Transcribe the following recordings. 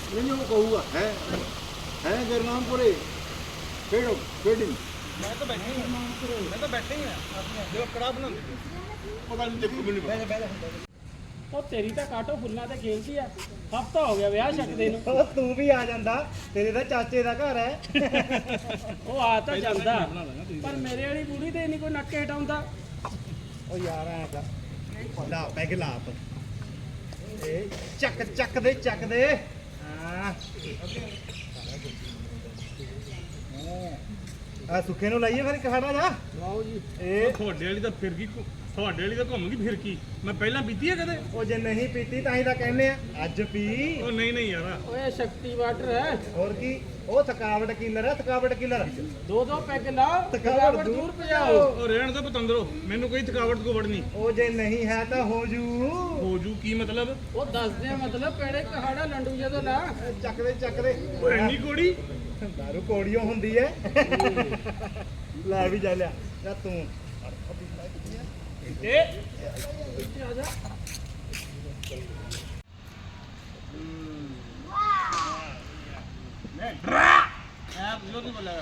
नहीं वो कहूँगा है गुरनामपुरे खेड़ो खेड़ी मैं तो बैठे ही जो कड़ा बनाते पता नहीं देखो मैंने ਉਹ ਤੇਰੀ ਤਾਂ ਕਾਟੋ ਫੁੱਲਾਂ ਤੇ ਖੇਲਦੀ ਆ ਹਫਤਾ ਹੋ ਗਿਆ ਵਿਆਹ ਛੱਡਦੇ ਨੂੰ ਉਹ ਤੂੰ ਵੀ ਆ ਜਾਂਦਾ ਤੇਰੇ ਤਾਂ ਚਾਚੇ ਦਾ ਘਰ ਹੈ ਉਹ ਆ ਤਾਂ ਜਾਂਦਾ ਪਰ ਮੇਰੇ ਵਾਲੀ ਬੁੜੀ ਤੇ ਨਹੀਂ ਕੋਈ ਨੱਕੇ ਹਟਾਉਂਦਾ ਉਹ ਯਾਰ ਐ ਕਰ ਲਾ ਪੈਗ ਲਾ ਆਪ ਇਹ ਚੱਕ ਦੇ ਹਾਂ ਆ ਸੁੱਖੇ ਨੂੰ ਲਾਈਏ ਫਿਰ ਕਹਾੜਾ ਜਾ ਲਓ ਜੀ ਇਹ ਤੁਹਾਡੇ ਵਾਲੀ ਤਾਂ ਫਿਰ ਕੀ ਤੁਹਾਡੇ ਵਾਲੀ ਤਾਂ ਘੁੰਮ ਗਈ ਫਿਰ ਕੀ ਮੈਂ ਪਹਿਲਾਂ ਪੀਤੀ ਹੈ ਕਦੇ ਉਹ ਜੇ ਨਹੀਂ ਪੀਤੀ ਤਾਂ ਹੀ ਤਾਂ ਕਹਿੰਦੇ ਆ ਅੱਜ ਪੀ ਉਹ ਨਹੀਂ ਯਾਰ ਓਏ ਸ਼ਕਤੀ ਵਾਟਰ ਹੈ ਹੋਰ ਕੀ ਉਹ ਥਕਾਵਟ ਕਿਲਰ ਹੈ ਥਕਾਵਟ ਕਿਲਰ ਦੋ ਦੋ ਪੈਗ ਲਾਓ ਥਕਾਵਟ ਦੂਰ ਭਜਾਓ ਉਹ ਰਹਿਣ ਤੋਂ ਪਤੰਦਰੋ ਮੈਨੂੰ ਕੋਈ ਥਕਾਵਟ ਕੋਵੜ ਨਹੀਂ ਉਹ ਜੇ ਨਹੀਂ ਹੈ ਤਾਂ ਹੋ ਜੂ ਕੀ ਮਤਲਬ ਉਹ ਦੱਸਦੇ ਆ ਮਤਲਬ ਕਿਹੜੇ ਕਹਾੜਾ ਲੰਡੂ ਜਦੋਂ ਲਾ ਚੱਕ ਦੇ ਉਹ ਇੰਨੀ ਕੋੜੀ ਦਾਰੂ ਕੋੜੀਓ ਹੁੰਦੀ ਐ ਲੈ ਵੀ ਜਾ ਲਿਆ ਜਾਂ ਤੂੰ ਤੇ ਆ ਜਾ ਐ ਬੁਲੋ ਨਹੀਂ ਬੋਲੇਗਾ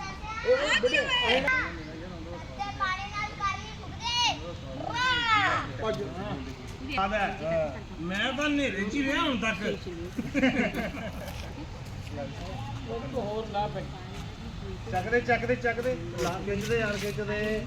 ਮੈਂ ਤਾਂ ਨੇਰੇ ਚ ਹੀ ਰਿਹਾ ਹੁਣ ਤੱਕ ਉਹ ਹੋਰ ਲਾ ਪੈਗ ਚੱਕ ਦੇ ਲਾ ਖਿੱਚਦੇ ਯਾਰ ਖਿੱਚਦੇ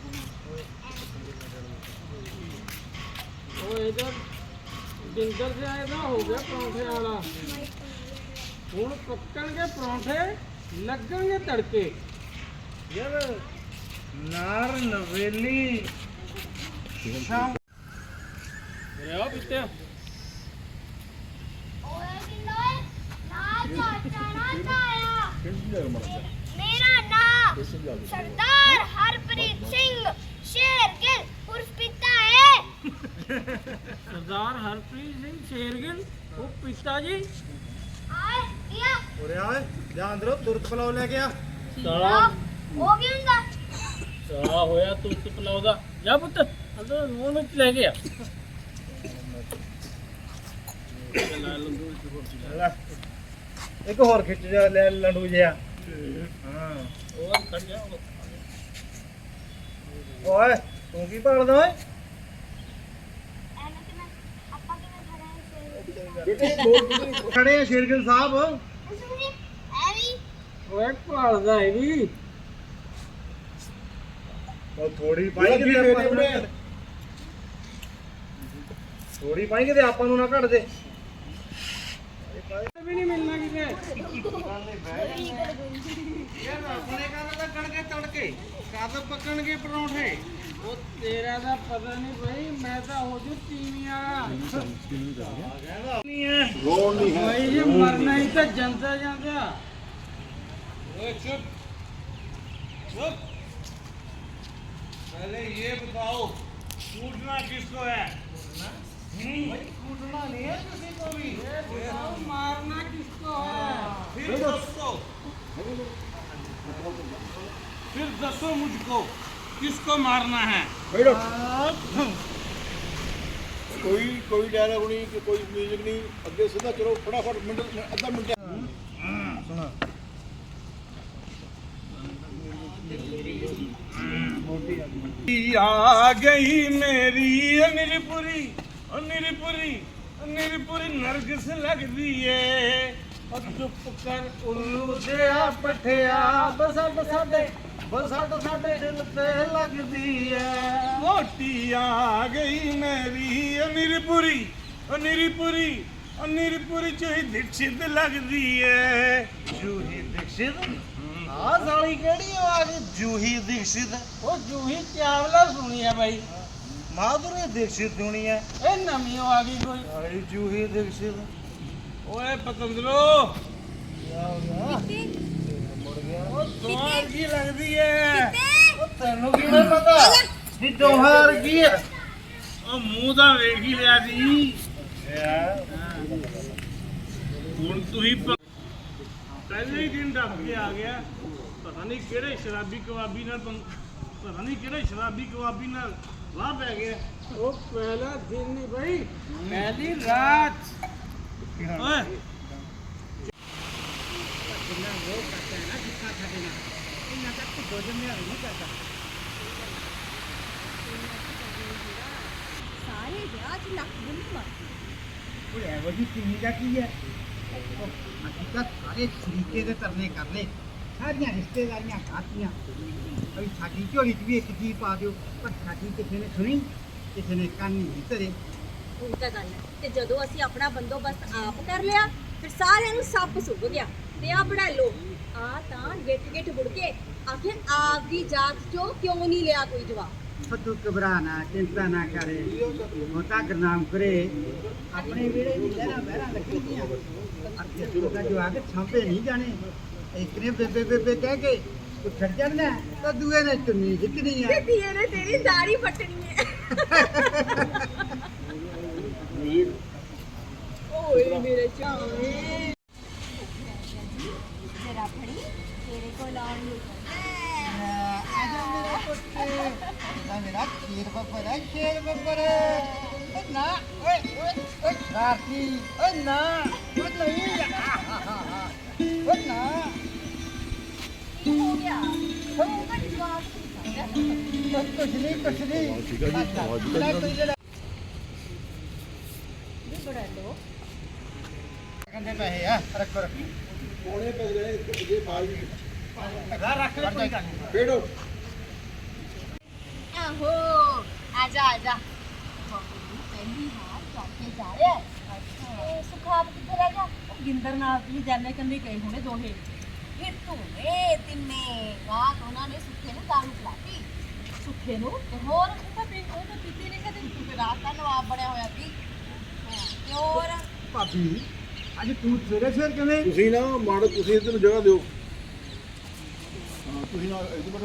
ਉਹ ਇਹਦਾ ਜਿੰਦਰ ਜਿਹਾ ਇਹਦਾ ਹੋ ਗਿਆ ਪਰੌਂਠੇ ਵਾਲਾ ਹੁਣ ਪੱਕਣਗੇ ਪਰੌਂਠੇ ਲੱਗਣਗੇ ਤੜਕੇ ਯਾਰ ਨਾਰ ਨਵੇਲੀ ਸ਼ਾਮ ਰਿਆ ਪਿੱਤੇ मेरा नाम सरदार हरप्रीत सिंह शेरगिल उर्फ पिता है ਸਰਦਾਰ ਹਰਪ੍ਰੀਤ ਸਿੰਘ ਸ਼ੇਰਗਿੱਲ ਉਹ ਪਿਤਾ ਜੀ आए किया ਉਰੇ ਆ ਓਏ ਜਾ ਅੰਦਰੋਂ ਤੁਰਤ ਪਲਾਓ ਲੈ ਕੇ ਆ ਸਾਲਾ हो गया ਸਾਲਾ ਹੋਇਆ ਤੂੰ ਪਲਾਉਦਾ ਜਾ ਪੁੱਤ ਅੰਦਰ ਨੂਨ ਵਿੱਚ ਲੈ ਗਿਆ ਲੈ ਇੱਕ ਹੋਰ ਖਿੱਚ ਜਾ ਲੈ ਲੰਡੂ ਜਿਹਾ ਹਾਂ ਹੋਰ ਖੜ ਜਾ ਓਏ ਤੂੰ ਕੀ ਭਾਲਦਾ ਓਏ ਖੜੇ ਆ ਸ਼ੇਰਗਿਲ ਸਾਹਿਬ ਓਏ ਭਾਲਦਾ ਹੈ ਵੀ ਉਹ ਥੋੜੀ ਪਾਈ ਕਿਤੇ ਆਪਾਂ ਨੂੰ ਨਾ ਥੋੜੀ ਪਾਈ ਕਿਤੇ ਆਪਾਂ ਨੂੰ ਨਾ ਘੜ ਦੇ ਵੀ ਨਹੀਂ ਮਿਲਣਾ ਕਿਤੇ ਯਾਰ ਆਪਣੇ ਘਰ ਤਾਂ ਕਣਕੇ ਤੜਕੇ ਕਦ ਪੱਕਣਗੇ ਪਰੌਂਠੇ ਉਹ ਤੇਰਾ ਦਾ ਪਤਾ ਨਹੀਂ ਬਈ ਮੈਂ ਤਾਂ ਹੋ ਜੂ ਟੀਵੀ ਵਾਲਾ ਨਹੀਂ ਹੈ रोड नहीं है ਭਾਈ ਜੀ ਮਰਨਾ ਹੀ ਤਾਂ ਜਾਂਦਾ ਜਾਂਦਾ ओए चुप पहले ये बताओ कूटना किसको है ਭਾਈ ਕੂਟਣਾ ਨਹੀਂ ਹੈ ਕਿਸੇ ਕੋ ਵੀ बताओ मारना किसको है फिर दसो मुझको किसको मारना है बैठो कोई डायलॉग नहीं कि कोई म्यूजिक नहीं अगे सीधा चलो फटाफट मिनट आधा मिनट ਸੁਣਾ आ गई मेरी निरपुरी निरपुरी निरपुरी नरगिस लगदी है ਚੁੱਪ ਕਰ ਉੱਲੂ ਜਿਹਾ ਪਠਿਆ ਬਸੜ ਸਾਡੇ ਦਿਲ ਤੇ ਲੱਗਦੀ ਐ मोटी आ गई मेरी निरपुरी निरपुरी निरपुरी जो ही दीक्षित लगदी है ਜੂਹੀ ਦੀਕਸ਼ਿਤ ਆ ਸਾਲੀ ਕਿਹੜੀ ਆ ਗਈ ਜੂਹੀ ਦੀਕਸ਼ਿਤ ਉਹ ਜੂਹੀ ਚਾਵਲਾ ਸੁਣੀ ਹੈ ਬਾਈ ਮਾਧੁਰੀ ਦੀਕਸ਼ਿਤ ਹੋਣੀ ਐ ਇਹ ਨਵੀਂ ਓ ਆ ਗਈ ਕੋਈ ਸਾਲੀ ਜੂਹੀ ਦੀਕਸ਼ਿਤ ओए पतंदरो ਕਿਆ ਹੋ ਗਿਆ ਮੁੜ ਗਿਆ ओ तुम्हार की लगदी है ਉਹ ਤੈਨੂੰ ਕਿਵੇਂ ਪਤਾ ਵੀ ਦੋਹਾਰ ਕੀ ਐ ओ मुंह दा वेख ही लिया जी ਹੁਣ ਤੁਸੀਂ ਪਹਿਲੇ ਹੀ ਦਿਨ ਡੱਬ ਕੇ ਆ ਗਿਆ ਪਤਾ ਨਹੀਂ ਕਿਹੜੇ ਸ਼ਰਾਬੀ ਕਬਾਬੀ ਨਾਲ ਪਤਾ ਨਹੀਂ ਕਿਹੜੇ ਸ਼ਰਾਬੀ ਕਬਾਬੀ ਨਾਲ ਵਾਹ ਪੈ ਗਿਆ ਉਹ ਪਹਿਲਾ ਦਿਨ ਨਹੀਂ ਬਾਈ ਪਹਿਲੀ ਰਾਤ ਓਏ ਕੁਝ ਮੈਂ ਨਹੀਂ ਕਰਦਾ ਸਾਰੇ ਵਿਆਹ 'ਚ ਲੱਕ ਗੁੰਮ ਮਾਰ ਉਹ ਐ ਵਜੀ ਕਿੰਨੀ ਦਾ ਕੀ ਹੈ ਅਸੀਂ ਤਾਂ ਸਾਰੇ ਸ਼ਰੀਕੇ ਦੇ ਤਰਨੇ ਕਰ ਲਏ ਸਾਰੀਆਂ ਰਿਸ਼ਤੇਦਾਰੀਆਂ ਖਾਤੀਆਂ ਅਈ ਸਾਡੀ ਝੋਲੀ 'ਚ ਵੀ ਇੱਕ ਚੀਜ਼ ਪਾ ਦਿਓ ਪਰ ਸਾਡੀ ਕਿਸੇ ਨੇ ਸੁਣੀ ਕਿਸੇ ਨੇ ਕੰਨ ਨਹੀਂ ਧਰੇ ਉਹ ਤਾਂ ਗੱਲ ਹੈ ਤੇ ਜਦੋਂ ਅਸੀਂ ਆਪਣਾ ਬੰਦੋਬਸਤ ਆਪ ਕਰ ਲਿਆ ਫਿਰ ਸਾਰਿਆਂ ਨੂੰ ਸੱਪ ਸੁੱਭ ਗਿਆ ਤੇ ਆ ਬੜਾ ਲੋ ਆ ਤਾਂ ਗਿੱਟ ਗਿੱਟ ਮੁੜ ਕੇ ਆਖਿਰ ਆਪ ਦੀ ਜਾਤ ਚੋਂ ਕਿਉਂ ਨਹੀਂ ਲਿਆ ਕੋਈ ਜਵਾਬ ਤੂੰ ਘਬਰਾ ਨਾ ਚਿੰਤਾ ਨਾ ਕਰੇ ਮੋਤਾ ਗੁਰਨਾਮ ਕਰੇ ਆਪਣੇ ਵੇਲੇ ਦੀ ਲਹਿਰਾਂ ਬਹਿਰਾਂ ਲੱਗੀਆਂ ਅੱਗੇ ਦਾ ਜਵਾਕ ਛਾਂਪੇ ਨਹੀਂ ਜਾਣੇ ਇੱਕ ਨੇ ਬੇਬੇ ਬੇਬੇ ਕਹਿ ਕੇ ਤੂੰ ਛੱਡ ਜਾਣਾ ਤਾਂ ਦੂਏ ਨੇ ਚੁੰਨੀ ਖਿੱਚਣੀ ਤੇ ਆ ਧੀਏ ਨੇ ਤੇਰੀ ਦਾੜੀ ਪੱਟਣੀ ਹੈ ਓਏ ਮੇਰੇ ਚਾਵੇਂ ਜਰਾ ਫੜੀ ਤੇਰੇ ਕੋਲ ਆਉਣ ਨੂੰ ਆਜਾ ਮੇਰਾ ਪੁੱਤ ਇਹਦਾ ਮੇਰਾ ਸ਼ੇਰ ਬੱਬਰ ਹੈ ਸ਼ੇਰ ਬੱਬਰ ਓ ਨਾ ਓਏ ਓਏ ਓਏ ਸ਼ਰਾਰਤੀ ਓ ਨਾ ਓ ਨਹੀਂ ਓ ਨਾ ਕੀ ਹੋ ਗਿਆ ਉਹ ਤਾਂ ਜਵਾਬ ਕੁਛ ਨਹੀਂ ਠੀਕ ਹੈ ਜੀ ਆਵਾਜ਼ ਕਰ ਵੀ ਬੜਾ ਲੋ ਕਹਿੰਦੇ ਪੈਸੇ ਆ ਰੱਖੋ ਰੱਖੋ ਕੋਣੇ ਪੈ ਗਏ ਜੇ ਬਾਲ ਰੱਖ ਲੈ ਕੋਈ ਗੱਲ ਨਹੀਂ ਬੇੜੋ ਆਹੋ ਆਜਾ ਆਜਾ ਪਹਿਲੀ ਹਾਰ ਚੌਕੇ ਜਾ ਰਿਹਾ ਤੇ ਸੁਖਾਬ ਕਿੱਥੇ ਰਹਿ ਗਿਆ ਉਹ ਗਿੰਦਰ ਨਾਲ ਵੀ ਜਾਣੇ ਕੰਨੀ ਗਏ ਹੋਣੇ ਦੋਹੇ ਇਹ ਧੂਏ ਤਿੰਨੇ ਰਾਤ ਉਹਨਾਂ ਨੇ ਸੁੱਖੇ ਨੂੰ ਦਾਰੂ ਪਿਲਾਤੀ ਸੁੱਖੇ ਨੂੰ ਤੇ ਹੋਰ ਉਹ ਤਾਂ ਪੀਤੀ ਨਹੀਂ ਕਦੇ ਰਾਤ ਦਾ ਨਵਾਬ ਬਣਿਆ ਹੋਇਆ ਸੀ ਤੇ ਹੋਰ ਭਾਬੀ ਅੱਜ ਤੂੰ ਸਵੇਰੇ ਸਵੇਰ ਕਿਵੇਂ ਤੁਸੀਂ ਨਾ ਮਾੜੋ ਤੁਸੀਂ ਇੱਧਰ ਨੂੰ ਜਗ੍ਹਾ ਦਿਓ ਹਾਂ ਤੁਸੀਂ ਨਾ ਇਹਦੇ ਬੜੇ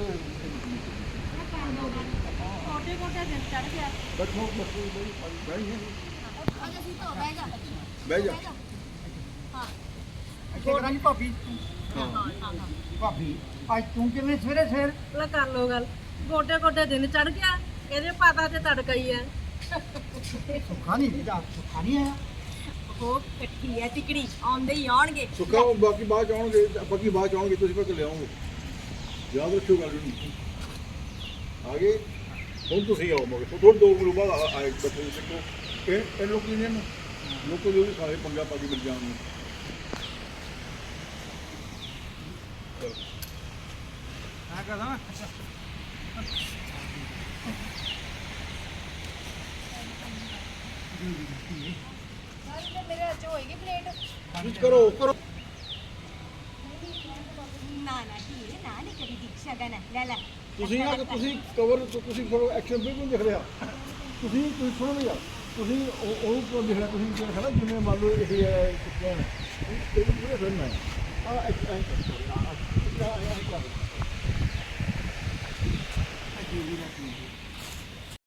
ਛੋਟੇ ਛੋਟੇ ਦਿਨ ਚੜ ਗਿਆ ਬੈਠੋ ਬੈਠੋ ਬੈਠ ਜਾ ਅੱਜ ਅਸੀਂ ਤਾਂ ਬਹਿ ਜਾ ਬਹਿ ਜਾ ਹਾਂ ਇੱਥੇ ਕਰਾਂਗੀ ਭਾਬੀ ਭਾਬੀ ਅੱਜ ਤੂੰ ਕਿਵੇਂ ਸਵੇਰੇ ਸਵੇਰ ਲੈ ਕਰ ਲੋ ਗੱਲ ਗੋਡੇ ਗੋਡੇ ਦਿਨ ਚੜ ਗਿਆ ਇਹਦੇ ਪਤਾ ਤੇ ਤੜਕਾ ਹੀ ਹੈ ਸੁੱਖਾ ਨਹੀਂ ਵੀਦਾ ਸੁੱਖਾ ਨਹੀਂ ਆਇਆ ਉਹ ਇਕੱਠੀ ਹੈ ਟਿਕੜੀ ਆਉਂਦੇ ਹੀ ਆਉਣਗੇ ਸੁੱਕਾ ਬਾਕੀ ਬਾਅਦ ਚ ਆਉਣਗੇ ਬਾਕੀ ਬਾਅਦ ਚ ਆਉਣਗੇ ਤੁਸੀਂ ਫਿਰ ਲਿਆਓਗੇ ਯਾਦ ਰੱਖਿਓ ਗੱਲ ਨੂੰ ਆ ਗਏ ਹੁਣ ਤੁਸੀਂ ਆਓ ਮਗਰ ਥੋੜੇ ਦੋ ਮਿੰਟ ਬਾਅਦ ਆਏ ਬੱਚੇ ਨੂੰ ਦੇਖੋ ਇਹ ਲੋਕ ਨੇ ਲੋਕੋ ਜੋ ਵੀ ਸਾਰੇ ਪੰਗਾ ਪਾ ਕੇ ਮਿਲ ਜਾਣਗੇ ਆ ਕਰਾਂ ਮੇਰੇ ਅੱਜ ਹੋਏਗੀ ਪਲੇਟ ਕੁਝ ਕਰੋ ਕਰੋ ਨਾ ਨਾ ਧੀਰੇ ਨਾ ਨਹੀਂ ਕਰੀ ਦੀਕਸ਼ਾ ਗਨ ਲੈ ਲੈ ਤੁਸੀਂ ਨਾ ਤੁਸੀਂ ਕਵਰ ਤੁਸੀਂ ਥੋੜਾ ਐਕਸ਼ਨ ਬਿਲਕੁਲ ਨਹੀਂ ਦਿਖ ਰਿਹਾ ਤੁਸੀਂ ਸੁਣੋ ਨਾ ਯਾਰ ਤੁਸੀਂ ਉਹ ਕੋ ਦਿਖ ਰਿਹਾ ਤੁਸੀਂ ਜਿਹੜਾ ਖੜਾ ਜਿਵੇਂ ਮੰਨ ਲਓ ਇਹ ਹੈ ਕੁੱਤਿਆਂ ਇਹ ਪੂਰੇ ਫਿਲਮ ਹੈ ਆ